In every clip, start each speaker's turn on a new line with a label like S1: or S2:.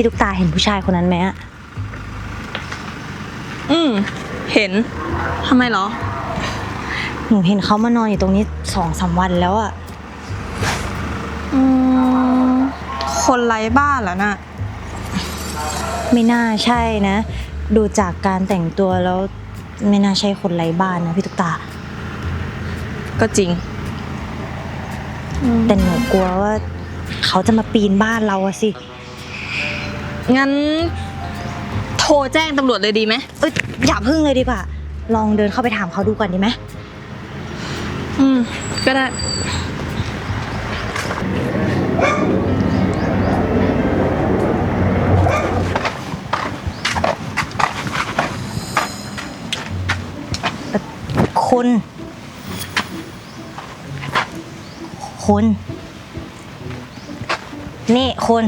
S1: พี่ตุ๊กตาเห็นผู้ชายคนนั้นไหมอะ
S2: เห็นทำไมเหรอ
S1: หนูเห็นเขามานอนอยู่ตรงนี้2-3 วันแล้วอะ
S2: คนไร้บ้านเหรอน่ะ
S1: ไม่น่าใช่นะดูจากการแต่งตัวแล้วไม่น่าใช่คนไร้บ้านนะพี่ตุ๊กตา
S2: ก็จริง
S1: แต่หนูกลัวว่าเขาจะมาปีนบ้านเราอะสิ
S2: งั้นโทรแจ้งตำรวจเลยดีไหม
S1: อย่าพึ่งเลยดีกว่าลองเดินเข้าไปถามเขาดูก่อนดีไหม
S2: ก็ได้
S1: คุณนี่คุณ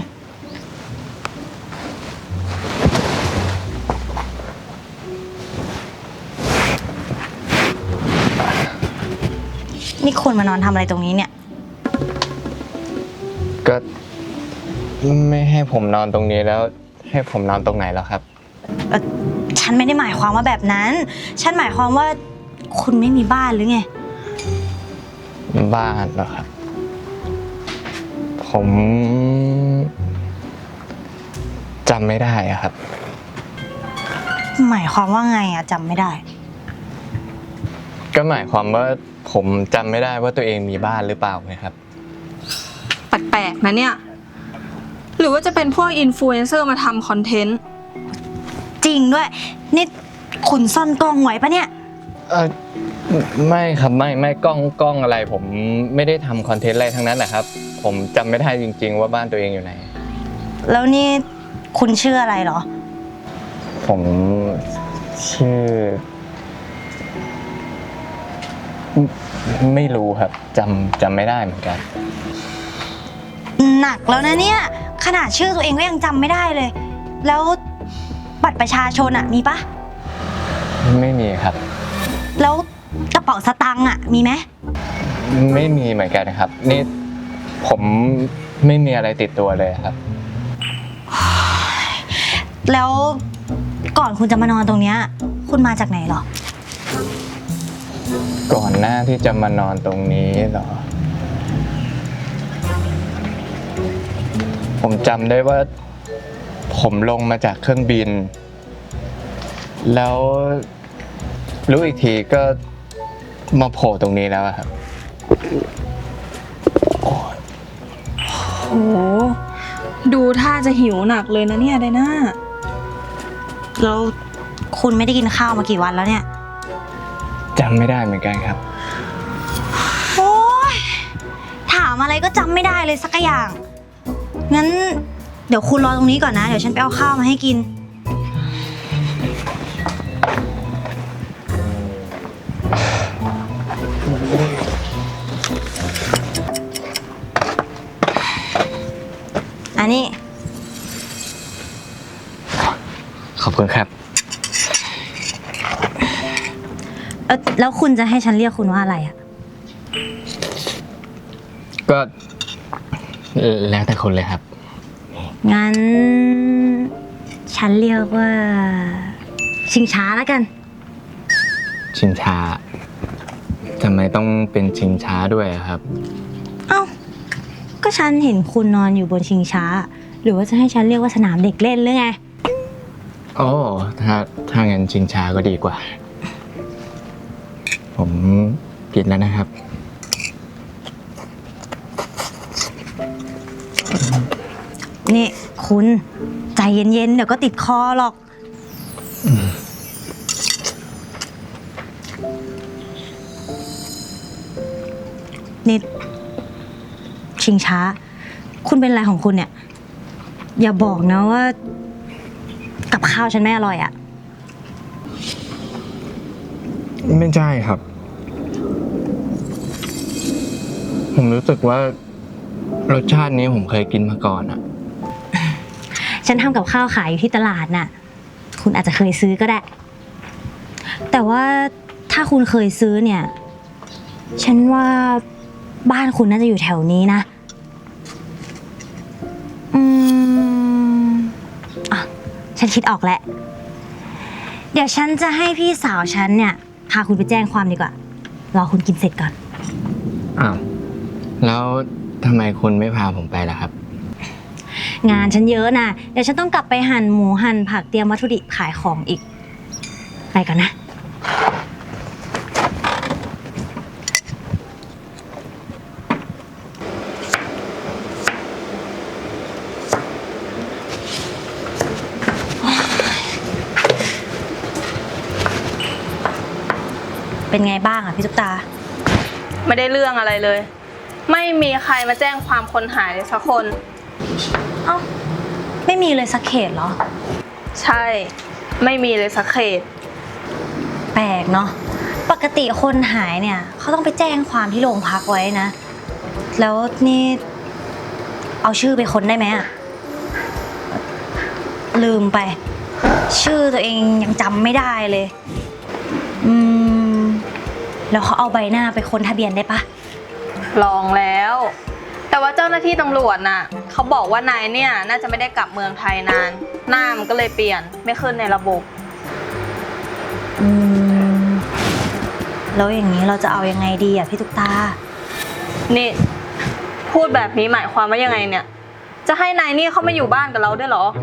S1: นี่คุณมานอนทำอะไรตรงนี้เนี่ย
S3: ก็ไม่ให้ผมนอนตรงนี้แล้วให้ผมนอนตรงไหนแล้วครับ
S1: ฉันไม่ได้หมายความว่าแบบนั้นฉันหมายความว่าคุณไม่มีบ้านหรือไง
S3: บ้านเหรอครับผมจำไม่ได้อะครับ
S1: หมายความว่าไงอะจำไม่ได้
S3: ก็หมายความว่าผมจำไม่ได้ว่าตัวเองมีบ้านหรือเปล่าไงครับ
S2: แปลกๆนะเนี่ยหรือว่าจะเป็นพวกอินฟลูเอนเซอร์มาทำคอนเทนต์
S1: จริงด้วยนี่คุณซ่อนกล้องไว้ปะเนี่ย
S3: ไม่ครับไม่กล้องอะไรผมไม่ได้ทำคอนเทนต์อะไรทั้งนั้นนะครับผมจำไม่ได้จริงๆว่าบ้านตัวเองอยู่ไหน
S1: แล้วนี่คุณชื่ออะไรเหรอ
S3: ผมชื่อไม่รู้ครับจำไม่ได้เหมือนกัน
S1: หนักแล้วนะเนี่ยขนาดชื่อตัวเองก็ยังจำไม่ได้เลยแล้วบัตรประชาชนอะมีปะ
S3: ไม่มีครับ
S1: แล้วกระเป๋าสตางค์อะมีไหม
S3: ไม่มีเหมือนกันครับนี่ผมไม่มีอะไรติดตัวเลยครับ
S1: แล้วก่อนคุณจะมานอนตรงเนี้ยคุณมาจากไหนหรอ
S3: ก่อนหน้าที่จะมานอนตรงนี้เหรอผมจำได้ว่าผมลงมาจากเครื่องบินแล้วรู้อีกทีก็มาโผล่ตรงนี้แล้วครับ
S2: โอ้ดูท่าจะหิวหนักเลยนะเนี่ยไดน่า
S1: แล้วคุณไม่ได้กินข้าวมากี่วันแล้วเนี่ย
S3: จำไม่ได้เหมือนกันครับ
S1: โอ๊ยถามอะไรก็จำไม่ได้เลยสักอย่างงั้นเดี๋ยวคุณรอตรงนี้ก่อนนะเดี๋ยวฉันไปเอาข้าวมาให้กินอันนี้
S3: ขอบคุณครับ
S1: แล้วคุณจะให้ฉันเรียกคุณว่าอะไรอะ
S3: ก็แล้วแต่คนเลยครับ
S1: งั้นฉันเรียกว่าชิงช้าแล้วกัน
S3: ชิงช้าทำไมต้องเป็นชิงช้าด้วยครับ
S1: เอ้าก็ฉันเห็นคุณนอนอยู่บนชิงช้าหรือว่าจะให้ฉันเรียกว่าสนามเด็กเล่นหรือไง
S3: โอ้ถ้างั้นชิงช้าก็ดีกว่าผมกินแล้วนะครับ
S1: นี่คุณใจเย็นๆเดี๋ยวก็ติดคอหรอกนี่ชิงช้าคุณเป็นอะไรของคุณเนี่ยอย่าบอกนะว่ากับข้าวฉันไม่อร่อยอะ
S3: ไม่ใช่ครับผมรู้สึกว่ารสชาตินี้ผมเคยกินมาก่อนอะ
S1: ฉันทำกับข้าวขายอยู่ที่ตลาดน่ะคุณอาจจะเคยซื้อก็ได้แต่ว่าถ้าคุณเคยซื้อเนี่ยฉันว่าบ้านคุณน่าจะอยู่แถวนี้นะฉันคิดออกแล้ว เดี๋ยวฉันจะให้พี่สาวฉันเนี่ยพาคุณไปแจ้งความดีกว่า รอคุณกินเสร็จก่อน
S3: อ้าว แล้วทำไมคุณไม่พาผมไปล่ะครับ
S1: งานฉันเยอะนะเดี๋ยวฉันต้องกลับไปหั่นหมูหั่นผักเตรียมวัตถุดิบขายของอีก ไปก่อนนะ เป็นไงบ้างอ่ะพี่ตุ๊กตา
S2: ไม่ได้เรื่องอะไรเลย ไม่มีใครมาแจ้งความคนหายเลยสักคน
S1: เอ้า ไม่มีเลยสักเขตเหรอ
S2: ใช่ ไม่มีเลยสักเขต
S1: แปลกเนาะ ปกติคนหายเนี่ยเขาต้องไปแจ้งความที่โรงพักไว้นะ แล้วนี่เอาชื่อไปค้นได้ไหมอะลืมไป ชื่อตัวเองยังจำไม่ได้เลย แล้วเขาเอาใบหน้าไปค้นทะเบียนได้ปะ
S2: ลองแล้ว แต่ว่าเจ้าหน้าที่ตำรวจน่ะเขาบอกว่านายเนี่ยน่าจะไม่ได้กลับเมืองไทยนาน หน้ามันก็เลยเปลี่ยนไม่ขึ้นในระบบ
S1: แล้วอย่างนี้เราจะเอายังไงดีอะพี่ตุ๊กตา
S2: นี่พูดแบบนี้หมายความว่ายังไงเนี่ย จะให้นายนี่เขามาอยู่บ้านกับเราด้วยเหรอ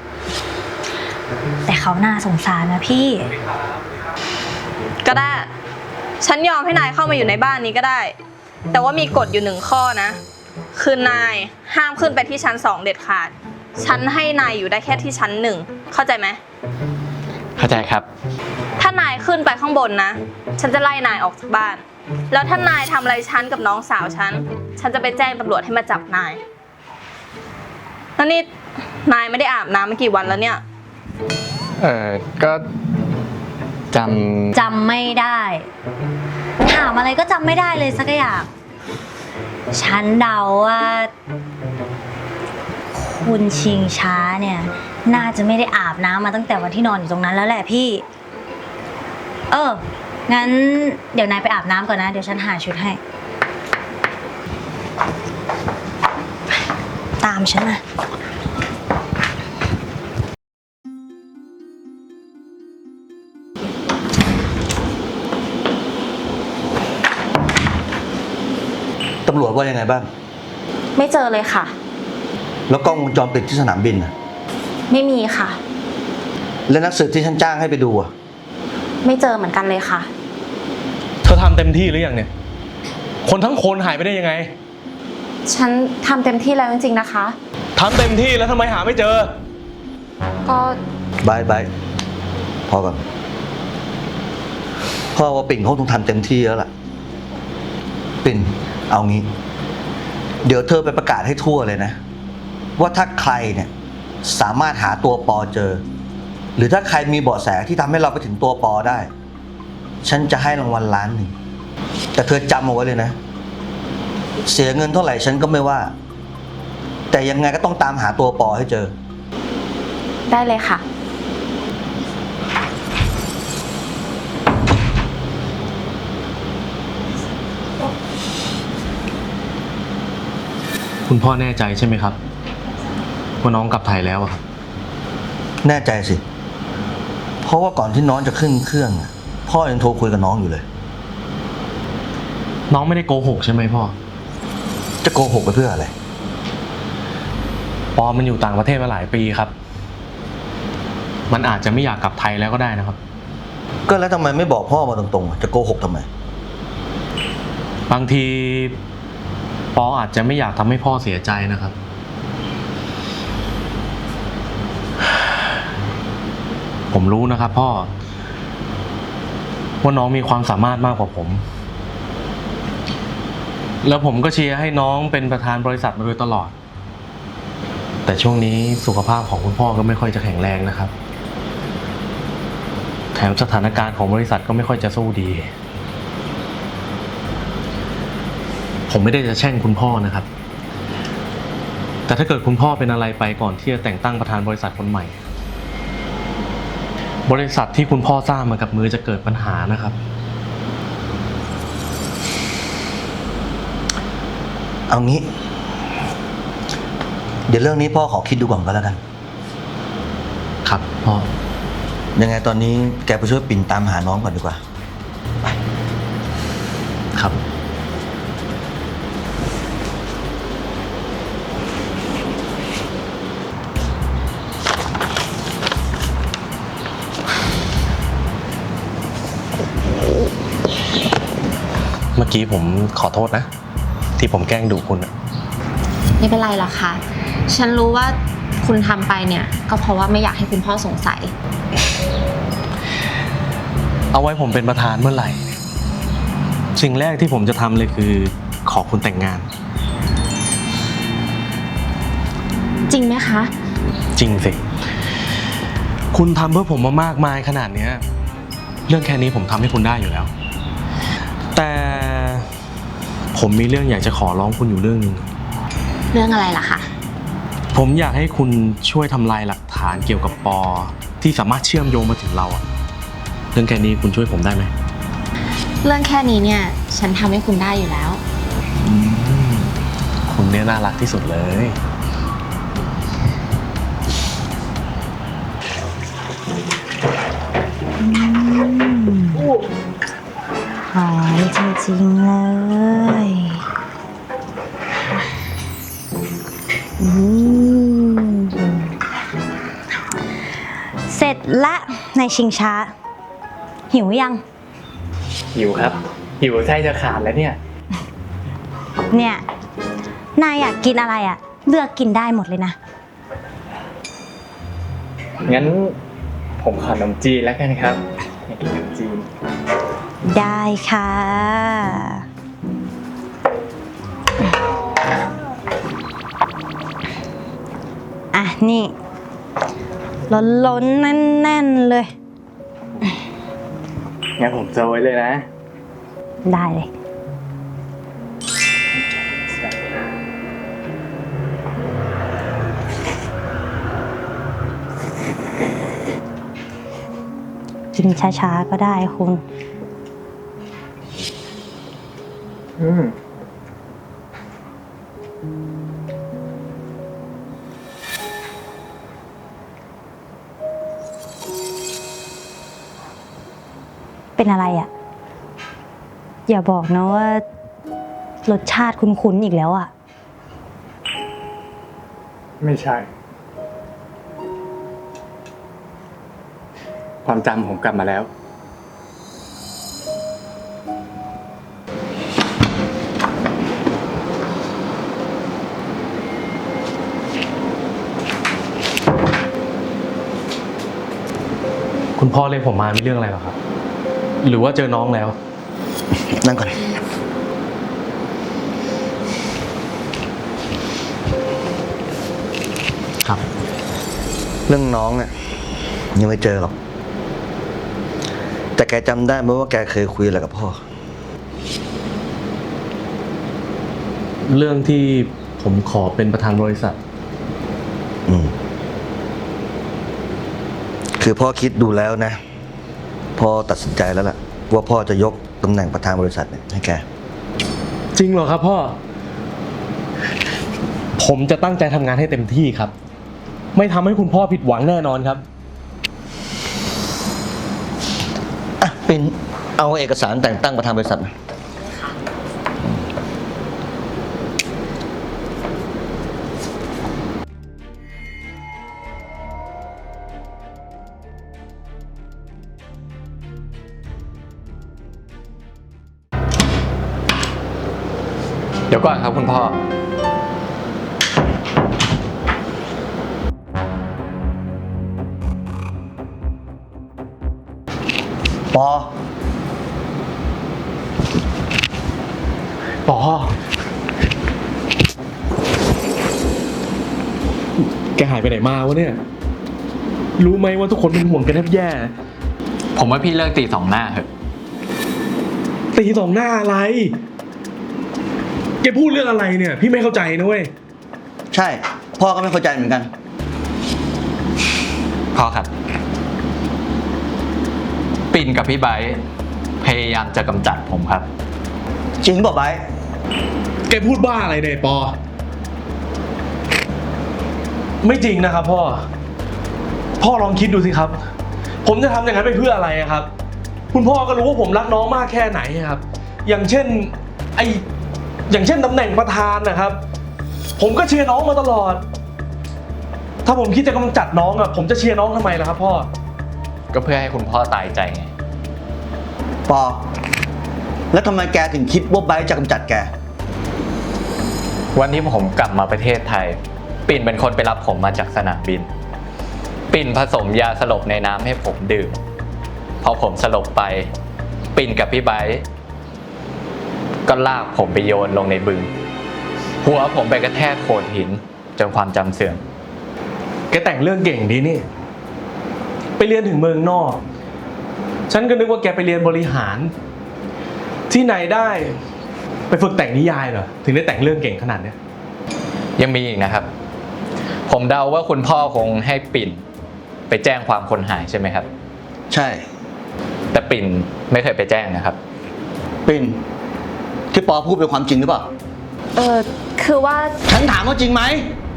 S1: แต่เขาน่าสงสารนะพี่
S2: ก็ได้ ฉันยอมให้นายเข้ามาอยู่ในบ้านนี้ก็ได้ แต่ว่ามีกฎอยู่1 ข้อนะ คือนายห้ามขึ้นไปที่ชั้น2เด็ดขาด ฉันให้นายอยู่ได้แค่ที่ชั้น1เข้าใจไหม
S3: เข้าใจครับ
S2: ถ้านายขึ้นไปข้างบนนะ ฉันจะไล่นายออกจากบ้าน แล้วถ้านายทำอะไรฉันกับน้องสาวฉันจะไปแจ้งตำรวจให้มาจับนาย แล้วนี่นายไม่ได้อาบน้ำมากี่วันแล้วเนี่ย
S3: ก็
S1: จำไม่ได้ ถามอะไรก็จำไม่ได้เลยสักอย่าง ฉันเดาว่า คุณชิงช้าเนี่ย น่าจะไม่ได้อาบน้ำมาตั้งแต่วันที่นอนอยู่ตรงนั้นแล้วแหละพี่ งั้นเดี๋ยวนายไปอาบน้ำก่อนนะ เดี๋ยวฉันหาชุดให้ ตามฉันมา
S4: ตำรวจว่ายังไงบ้าง
S2: ไม่เจอเลยค่ะ
S4: แล้วกล้องวงจรปิดที่สนามบินน่ะ
S2: ไม่มีค่ะ
S4: แล้วนักสืบที่ฉันจ้างให้ไปดูอ่ะ
S2: ไม่เจอเหมือนกันเลยค่ะ
S5: เธอทำเต็มที่หรือยังเนี่ย คนทั้งคนหายไปได้ยังไง
S2: ฉันทำเต็มที่แล้วจริงๆนะคะ
S5: ทำเต็มที่แล้วทำไมหาไม่เจอ
S2: ก็
S4: บายพอก่อนพ่อว่าปิ่นเขาต้องทำเต็มที่แล้วล่ะ ปิ่นเอางี้ เดี๋ยวเธอไปประกาศให้ทั่วเลยนะ ว่าถ้าใครเนี่ยสามารถหาตัวปอเจอ หรือถ้าใครมีเบาะแสที่ทำให้เราไปถึงตัวปอได้ ฉันจะให้รางวัล1,000,000แต่เธอจำเอาไว้เลยนะ เสียเงินเท่าไหร่ฉันก็ไม่ว่า แต่ยังไงก็ต้องตามหาตัวปอให้เจอ
S2: ได้เลยค่ะ
S5: คุณพ่อแน่ใจใช่ไหมครับว่าน้องกลับไทยแล้วอะครับ
S4: แน่ใจสิ เพราะว่าก่อนที่น้องจะขึ้นเครื่องอะพ่อยังโทรคุยกับน้องอยู่เลย
S5: น้องไม่ได้โกหกใช่ไหมพ่อ
S4: จะโกหกไปเพื่ออะไร
S5: ปอมันอยู่ต่างประเทศมาหลายปีครับ มันอาจจะไม่อยากกลับไทยแล้วก็ได้นะครับ
S4: ก็แล้วทำไมไม่บอกพ่อมาตรงๆจะโกหกทำไม
S5: บางทีปออาจจะไม่อยากทำให้พ่อเสียใจนะครับ ผมรู้นะครับพ่อว่าน้องมีความสามารถมากกว่าผม แล้วผมก็เชียร์ให้น้องเป็นประธานบริษัทมาโดยตลอด แต่ช่วงนี้สุขภาพของคุณพ่อก็ไม่ค่อยจะแข็งแรงนะครับ แถมสถานการณ์ของบริษัทก็ไม่ค่อยจะสู้ดี ผมไม่ได้จะแช่งคุณพ่อนะครับ แต่ถ้าเกิดคุณพ่อเป็นอะไรไปก่อนที่จะแต่งตั้งประธานบริษัทคนใหม่ บริษัทที่คุณพ่อสร้างมากับมือจะเกิดปัญหานะครับ
S4: เอางี้ เดี๋ยวเรื่องนี้พ่อขอคิดดูก่อนก็แล้วกัน
S5: ครับพ่อ
S4: ยังไงตอนนี้แกไปช่วยปิ่นตามหาน้องก่อนดีกว่า
S5: ครับ เมื่อกี้ผมขอโทษนะ ที่ผมแกล้งดุคุณอะ
S6: ไม่เป็นไรหรอกค่ะ ฉันรู้ว่าคุณทำไปเนี่ยก็เพราะว่าไม่อยากให้คุณพ่อสงสัย
S5: เอาไว้ผมเป็นประธานเมื่อไหร่ สิ่งแรกที่ผมจะทำเลยคือขอคุณแต่งงาน
S6: จริงไหมคะ
S5: จริงสิ คุณทำเพื่อผมมามากมายขนาดเนี้ยเรื่องแค่นี้ผมทำให้คุณได้อยู่แล้ว แต่ผมมีเรื่องอยากจะขอร้องคุณอยู่เรื่องนึง
S6: เรื่องอะไรล่ะคะ
S5: ผมอยากให้คุณช่วยทำลายหลักฐานเกี่ยวกับปอที่สามารถเชื่อมโยงมาถึงเราอะเรื่องแค่นี้คุณช่วยผมได้ไหม
S6: เรื่องแค่นี้เนี่ยฉันทำให้คุณได้อยู่แล้ว
S5: คุณเนี่ยน่ารักที่สุดเลย
S1: หอมจริงๆเลยเสร็จละในชิงช้า หิวยัง
S3: หิวครับ หิวไส้จะขาดแล้วเนี่ย
S1: เนี่ย นายอยากกินอะไรอ่ะ เลือกกินได้หมดเลยนะ
S3: งั้นผมขอขนมจีนแล้วกันครับอยากกินขนมจีน
S1: ได้ค่ะ อ่ะ นี่ ล้นๆแน่นๆเลย
S3: งั้นผมโซยเลยนะ
S1: ได้เลย กินช้าๆก็ได้คุณ เป็นอะไรอ่ะ อย่าบอกนะว่ารสชาติคุ้นๆอีกแล้วอ่ะ
S3: ไม่ใช่ ความจำผมกลับมาแล้ว
S5: คุณพ่อเรียกผมมามีเรื่องอะไรหรอครับ หรือว่าเจอน้องแล้ว
S4: นั่งก่อน
S5: ครับ
S4: เรื่องน้องเนี่ยยังไม่เจอหรอก แต่แกจำได้ไหมว่าแกเคยคุยอะไรกับพ่อ
S5: เรื่องที่ผมขอเป็นประธานบริษัท
S4: คือพ่อคิดดูแล้วนะ พ่อตัดสินใจแล้วล่ะ ว่าพ่อจะยกตำแหน่งประธานบริษัทเนี่ยให้แก
S5: จริงเหรอครับพ่อ ผมจะตั้งใจทำงานให้เต็มที่ครับ ไม่ทำให้คุณพ่อผิดหวังแน่นอนครับ
S4: อ่ะปิ่นเอาเอกสารแต่งตั้งประธานบริษัทมา
S3: เดี๋ยวก่อนครับคุณพ่อ
S4: ปอ
S5: ปอ แกหายไปไหนมาวะเนี่ย รู้ไหมว่าทุกคนเป็นห่วงแกแทบแย่
S3: ผมว่าพี่เลิกตีสองหน้าเถอะ
S5: ตีสองหน้าอะไร แกพูดเรื่องอะไรเนี่ย พี่ไม่เข้าใจนะเว้ย
S4: ใช่ พ่อก็ไม่เข้าใจเหมือนกัน
S3: พ่อครับ ปิ่นกับพี่ไบร์ทพยายามจะกำจัดผมครับ
S4: จริงบอกไบร์ท
S5: แกพูดบ้าอะไรเนี่ยปอ ไม่จริงนะครับพ่อพ่อลองคิดดูสิครับ ผมจะทำอย่างนั้นไปเพื่ออะไรครับ คุณพ่อก็รู้ว่าผมรักน้องมากแค่ไหนครับ อย่างเช่นตำแหน่งประธานนะครับ ผมก็เชียร์น้องมาตลอด ถ้าผมคิดจะกำจัดน้องอะผมจะเชียร์น้องทำไมล่ะครับพ่อ
S3: ก็เพื่อให้คุณพ่อตายใจไง
S4: ปอ แล้วทำไมแกถึงคิดว่าไบร์ทจะกำจัดแก
S3: วันที่ผมกลับมาประเทศไทย ปิ่นเป็นคนไปรับผมมาจากสนามบิน ปิ่นผสมยาสลบในน้ำให้ผมดื่มพอผมสลบไป ปิ่นกับพี่ไบร์ทก็ลากผมไปโยนลงในบึง หัวผมไปกระแทกโขดหินจนความจำเสื่อม
S5: แกแต่งเรื่องเก่งดีนี่ ไปเรียนถึงเมืองนอก ฉันก็นึกว่าแกไปเรียนบริหาร ที่ไหนได้ไปฝึกแต่งนิยายเหรอ ถึงได้แต่งเรื่องเก่งขนาดเนี้ย
S3: ยังมีอีกนะครับ ผมเดาว่าคุณพ่อคงให้ปิ่นไปแจ้งความคนหายใช่ไหมครับ
S4: ใช่
S3: แต่ปิ่นไม่เคยไปแจ้งนะครับ
S4: ปิ่นที่ปอพูดเป็นความจริงหรือเปล่า
S6: คือว่า
S4: ฉันถามว่าจริงไหม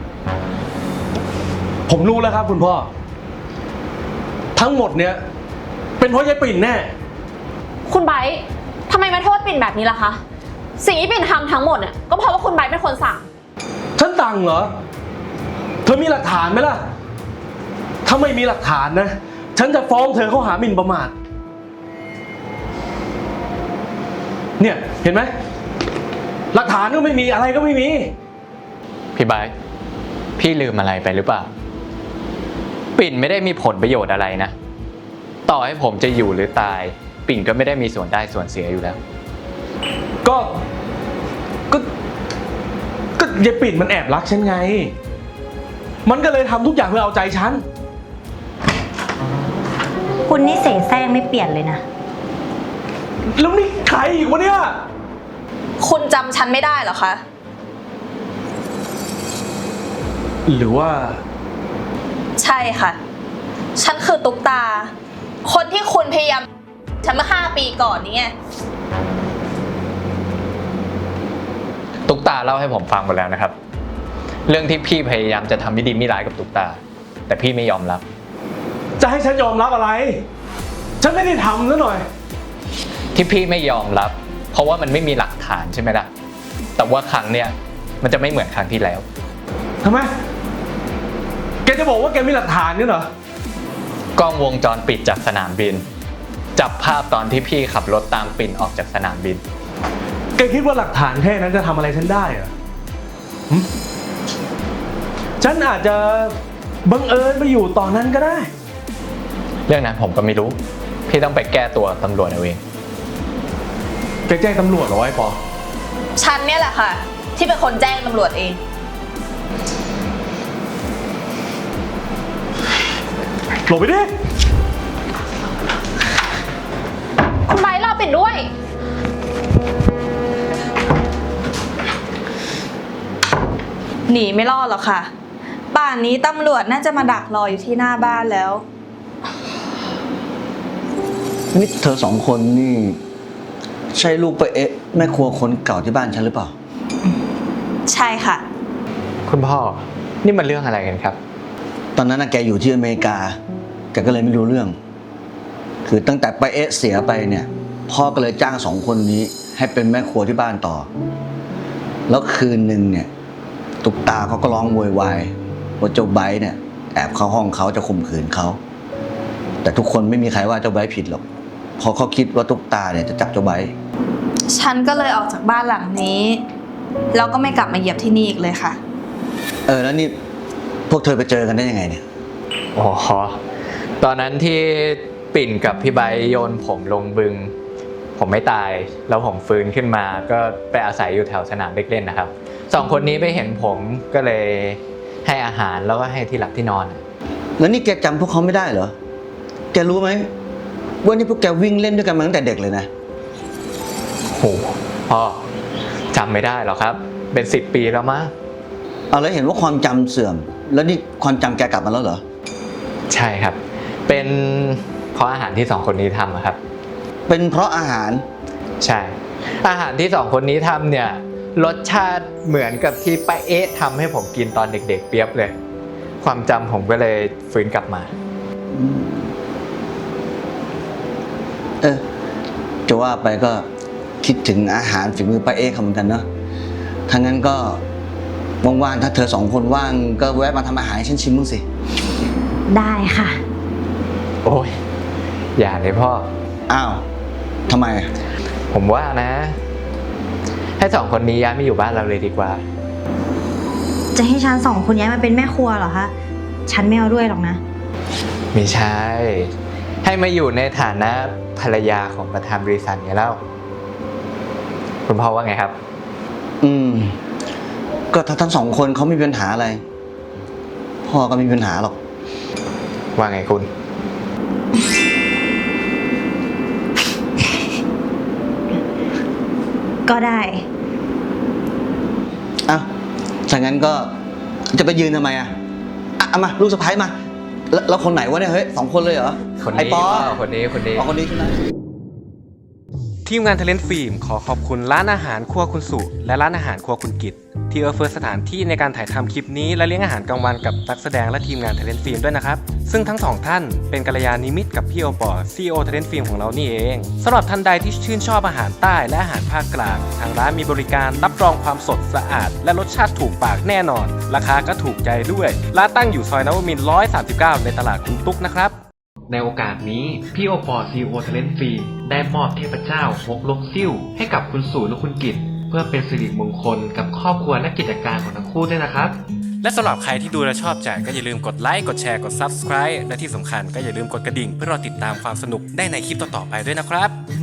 S5: ผมรู้แล้วครับคุณพ่อ ทั้งหมดเนี้ยเป็นเพราะยายปิ่นแน่
S6: คุณไบร์ททำไมมาโทษปิ่นแบบนี้ล่ะคะ สิ่งที่ปิ่นทำทั้งหมดเนี่ยก็เพราะว่าคุณไบร์ทเป็นคนสั่ง
S5: ฉันสั่งเหรอ เธอมีหลักฐานไหมล่ะ ถ้าไม่มีหลักฐานนะ ฉันจะฟ้องเธอข้อหาหมิ่นประมาท เนี่ยเห็นไหม หลักฐานก็ไม่มีอะไรก็ไม่มี
S3: พี่ไบร์ทพี่ลืมอะไรไปหรือเปล่า ปิ่นไม่ได้มีผลประโยชน์อะไรนะ ต่อให้ผมจะอยู่หรือตาย ปิ่นก็ไม่ได้มีส่วนได้ส่วนเสียอยู่แล้ว
S5: ก็ยายปิ่นมันแอบรักฉันไง มันก็เลยทำทุกอย่างเพื่อเอาใจฉัน
S1: คุณนี่เสแสร้งไม่เปลี่ยนเลยนะ
S5: แล้วนี่ใครอีกวะเนี่ย
S2: คุณจำฉันไม่ได้เหรอคะ
S5: หรือว่า
S2: ใช่ค่ะ ฉันคือตุ๊กตา คนที่คุณพยายามฉันเมื่อ5 ปีก่อนนี้ไง
S3: ตุ๊กตาเล่าให้ผมฟังหมดแล้วนะครับ เรื่องที่พี่พยายามจะทำไม่ดีไม่ร้ายกับตุ๊กตา แต่พี่ไม่ยอมรับ
S5: จะให้ฉันยอมรับอะไร ฉันไม่ได้ทำซะหน่อย
S3: ที่พี่ไม่ยอมรับ เพราะว่ามันไม่มีหลักฐานใช่ไหมล่ะ แต่ว่าครั้งเนี้ยมันจะไม่เหมือนครั้งที่แล้ว
S5: ทำไม แกจะบอกว่าแกมีหลักฐานนี่เหรอ
S3: กล้องวงจรปิดจากสนามบิน จับภาพตอนที่พี่ขับรถตามปิ่นออกจากสนามบิน
S5: แกคิดว่าหลักฐานแค่นั้นจะทำอะไรฉันได้เหรอหึฉันอาจจะบังเอิญไปอยู่ตอนนั้นก็ได้
S3: เรื่องนั้นผมก็ไม่รู้ พี่ต้องไปแก้ตัวตำรวจเอาเอง
S5: แกแจ้งตำรวจเหรอไอ้ปอ
S2: ฉันเนี่ยแหละค่ะ ที่เป็นคนแจ้งตำรวจเอง
S5: หลบไปดิ
S6: คุณไบร์ทรอปิ่นด้วย
S2: หนีไม่รอดหรอกค่ะ ป่านนี้ตำรวจน่าจะมาดักรออยู่ที่หน้าบ้านแล้ว
S4: นี่เธอสองคนนี่ใช่ลูกป้าเอ๊ะแม่ครัวคนเก่าที่บ้านฉันหรือเปล่า
S2: ใช่ค่ะ
S3: คุณพ่อ นี่มันเรื่องอะไรกันครับ
S4: ตอนนั้นน่ะแกอยู่ที่อเมริกา แกก็เลยไม่รู้เรื่อง คือตั้งแต่ป้าเอ๊ะเสียไปเนี่ยพ่อก็เลยจ้างสองคนนี้ให้เป็นแม่ครัวที่บ้านต่อ แล้วคืนหนึ่งเนี่ยตุ๊กตาเขาก็ร้องโวยวายว่าเจ้าไบร์ทเนี่ยแอบเข้าห้องเขาจะข่มขืนเขาแต่ทุกคนไม่มีใครว่าเจ้าไบร์ทผิดหรอกเพราะเขาคิดว่าตุ๊กตาเนี่ยจะจับเจ้าไบร์ท
S2: ฉันก็เลยออกจากบ้านหลังนี้ แล้วก็ไม่กลับมาเหยียบที่นี่อีกเลยค่ะ
S4: แล้วนี่พวกเธอไปเจอกันได้ยังไงเนี่ย
S3: อ๋อ ตอนนั้นที่ปิ่นกับพี่ไบร์ทโยนผมลงบึง ผมไม่ตาย แล้วผมฟื้นขึ้นมาก็ไปอาศัยอยู่แถวสนามเด็กเล่นนะครับ สองคนนี้ไปเห็นผมก็เลยให้อาหารแล้วก็ให้ที่หลับที่นอน
S4: แล้วนี่แกจำพวกเขาไม่ได้เหรอ แกรู้ไหมว่านี่พวกแกวิ่งเล่นด้วยกันมาตั้งแต่เด็กเลยนะ
S3: โห พ่อจำไม่ได้หรอกครับ เป็น10 ปีแล้วมั้ง
S4: เอาแล้วเห็นว่าความจำเสื่อม แล้วนี่ความจำแกกลับมาแล้วเหรอ
S3: ใช่ครับ เป็นเพราะอาหารที่สองคนนี้ทำอะครับ
S4: เป็นเพราะอาหาร
S3: ใช่ อาหารที่สองคนนี้ทำเนี่ยรสชาติเหมือนกับที่ป้าเอ๊ะทำให้ผมกินตอนเด็กๆเปียบเลย ความจำผมก็เลยฟื้นกลับมา
S4: เออจะว่าไปก็คิดถึงอาหารฝีมือป้าเอ๊เขาเหมือนกันเนาะถ้างั้นก็ว่างๆถ้าเธอสองคนว่างก็แวะมาทำอาหารให้ฉันชิมบ้างสิ
S1: ได้ค่ะ
S3: โอ้ย อย่าเลยพ่อ
S4: อ้าวทำไม
S3: ผมว่านะ ให้สองคนนี้ย้ายมาอยู่บ้านเราเลยดีกว่า
S1: จะให้ฉัน2 คนย้ายมาเป็นแม่ครัวเหรอคะ ฉันไม่เอาด้วยหรอกนะ
S3: ไม่ใช่ ให้มาอยู่ในฐานะภรรยาของประธานบริษัทไงเล่า คุณพ่อว่าไงครับ
S4: ก็ถ้าทั้งสองคนเขาไม่มีปัญหาอะไร พ่อก็ไม่มีปัญหาหรอก
S3: ว่าไงคุณ
S1: ก็ได้
S4: อ้าวถ้างั้นก็จะไปยืนทำไมอ่ะเอามาลูกสะใภ้มาแล้วคนไหนวะเนี่ยเฮ้ย2 คนเลยเหรอ
S3: คน
S4: ไอ้
S3: นี้
S4: ปอ
S3: คนนี้
S4: อ๋อคนนี้ใช่ไหม
S5: ทีมงาน Talent Film ขอขอบคุณร้านอาหารครัวคุณสุและร้านอาหารครัวคุณกิตที่เอื้อสถานที่ในการถ่ายทำคลิปนี้และเลี้ยงอาหารกลางวันกับนักแสดงและทีมงาน Talent Film ด้วยนะครับซึ่งทั้งสองท่านเป็นกัลยาณมิตรกับพี่โอปอ CEO Talent Film ของเรานี่เองสำหรับท่านใดที่ชื่นชอบอาหารใต้และอาหารภาคกลางทางร้านมีบริการรับรองความสดสะอาดและรสชาติถูกปากแน่นอนราคาก็ถูกใจด้วยร้านตั้งอยู่ซอยนวมินทร์139ในตลาดคุณตุ๊กนะครับในโอกาสนี้พี่โอปอ CEO Talent Film ได้มอบเทพเจ้าฮกลกซิ่วให้กับคุณสู่และคุณกิตเพื่อเป็นสิริมงคลกับครอบครัวและกิจการของทั้งคู่ด้วยนะครับและสำหรับใครที่ดูและชอบใจก็อย่าลืมกดไลค์กดแชร์กด Subscribe และที่สำคัญก็อย่าลืมกดกระดิ่งเพื่อรอติดตามความสนุกได้ในคลิปต่อๆไปด้วยนะครับ